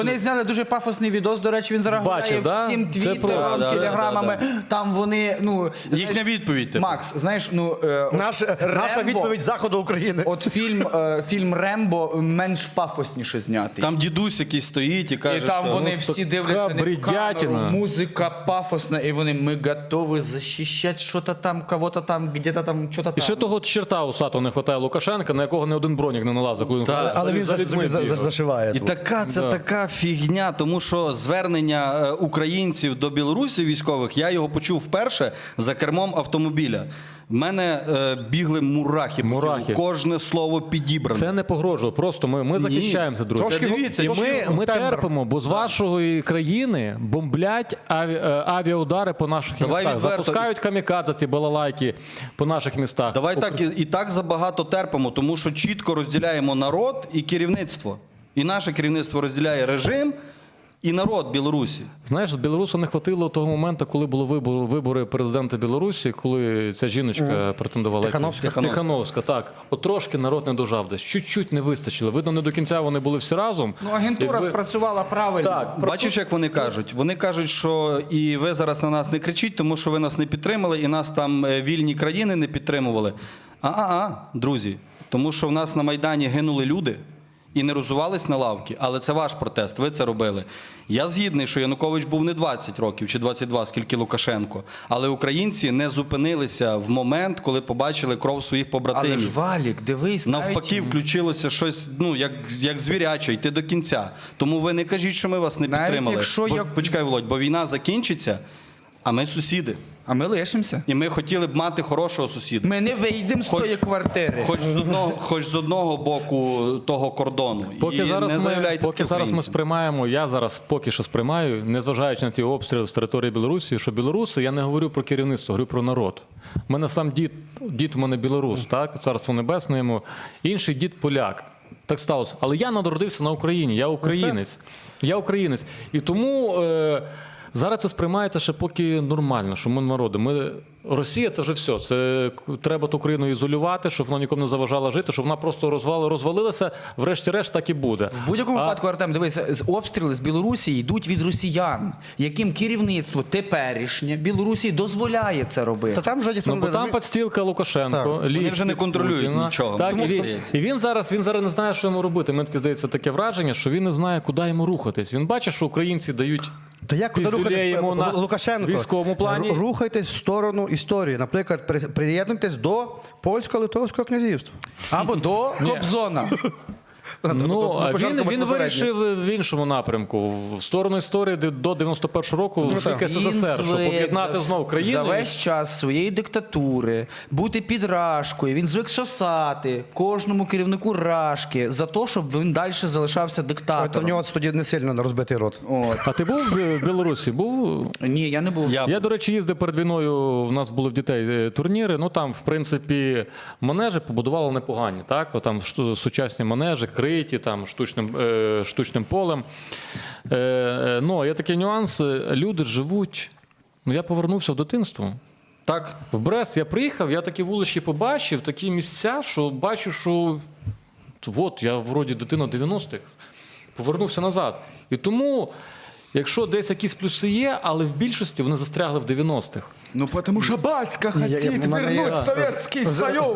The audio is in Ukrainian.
Вони зняли дуже пафосний відос, до речі, він зараз гуляє всім твіттером, телеграмами, там вони, ну... Їхня відповідь. Макс, знаєш, ну... Наша відповідь Заходу України. От фільм «Рембо» менш пафосніше знятий. Там дідусь якийсь стоїть і каже, і там що... вони всі дивляться не в камеру, музика пафосна, і вони, ми готові захищати що-то там, кого-то там, где-то там, що-то там. І ще того черта усатого не вистачає Лукашенка, на якого не один бронік не налазив. Але він зашиває. І це така фігня, тому що звернення українців до білорусів військових, я його почув вперше за кермом автомобіля. В мене бігли мурахи. Кожне слово підібране. Це не погрожує, просто ми захищаємося, друзі. Дивіться, і ми терпимо, бо з вашої країни бомблять авіаудари по наших містах. Запускають камікадзе, ці балалайки по наших містах. Давай так, і так забагато терпимо, тому що чітко розділяємо народ і керівництво. І наше керівництво розділяє режим і народ Білорусі. Знаєш, з Білорусу не хватило того моменту, коли були вибори президента Білорусі, коли ця жіночка претендувала. Тихановська, так. От трошки народ не дожав десь. Чуть-чуть не вистачило. Видно, не до кінця вони були всі разом. Ну, агентура спрацювала правильно. Так. Бачиш, як вони кажуть? Вони кажуть, що і ви зараз на нас не кричіть, тому що ви нас не підтримали, і нас там вільні країни не підтримували. Друзі, тому що в нас на Майдані гинули люди, і не розувались на лавки, але це ваш протест, ви це робили. Я згідний, що Янукович був не 20 років чи 22, скільки Лукашенко, але українці не зупинилися в момент, коли побачили кров своїх побратимів. Але ж, Валік, дивись, навпаки, включилося щось, ну, як звіряче, йти до кінця. Тому ви не кажіть, що ми вас не підтримали. Почекай, Володь, бо війна закінчиться, а ми сусіди. А ми лишимося. І ми хотіли б мати хорошого сусіда. Ми не вийдемо з тої квартири. Хоч з одного боку того кордону. Поки зараз ми сприймаємо, я зараз поки що сприймаю, незважаючи на ці обстріли з території Білорусі, що білоруси, я не говорю про керівництво, говорю про народ. У мене сам дід у мене білорус, так, царство небесне йому, інший дід поляк. Так сталося. Але я народився на Україні, я українець. Я українець. І тому... Зараз це сприймається ще поки нормально, що ми народи. Росія – це вже все. Це треба ту країну ізолювати, щоб вона нікому не заважала жити, щоб вона просто розвалилася, врешті-решт так і буде. В будь-якому випадку, Артем, дивися, обстріли з Білорусі йдуть від росіян, яким керівництво теперішнє Білорусі дозволяє це робити. Та там вже ніхто бо там підстілка Лукашенко, вони вже не контролюють нічого. Так, і він зараз не знає, що йому робити. Мені таке здається таке враження, що він не знає, куди йому рухатись. Він бачить, що українці дають йому на Лукашенко. Військовому плані. Рухайтесь в сторону історії. Наприклад, приєднуйтесь до Польсько-Литовського князівства. Або до Кобзона. Ну, він вирішив в іншому напрямку. В сторону історії до 91-го року в СССР, щоб об'єднати знову країни. За весь час своєї диктатури бути під рашкою, він звик сосати кожному керівнику рашки за те, щоб він далі залишався диктатором. У нього тоді не сильно розбитий рот. А ти був в Білорусі? Ні, я не був. Я, до речі, їздив перед війною, у нас були в дітей турніри, ну там, в принципі, манежі побудували непогані, так? Там сучасні манежі, криті, там, штучним полем. Ну, є такий нюанс, люди живуть, ну, я повернувся в дитинство. Так. В Брест я приїхав, я такі вулички побачив, такі місця, що бачу, що от, я вроді дитина 90-х, повернувся назад. І тому, якщо десь якісь плюси є, але в більшості вони застрягли в 90-х. Ну, тому що батька хотіть вернути Совєтський Союз.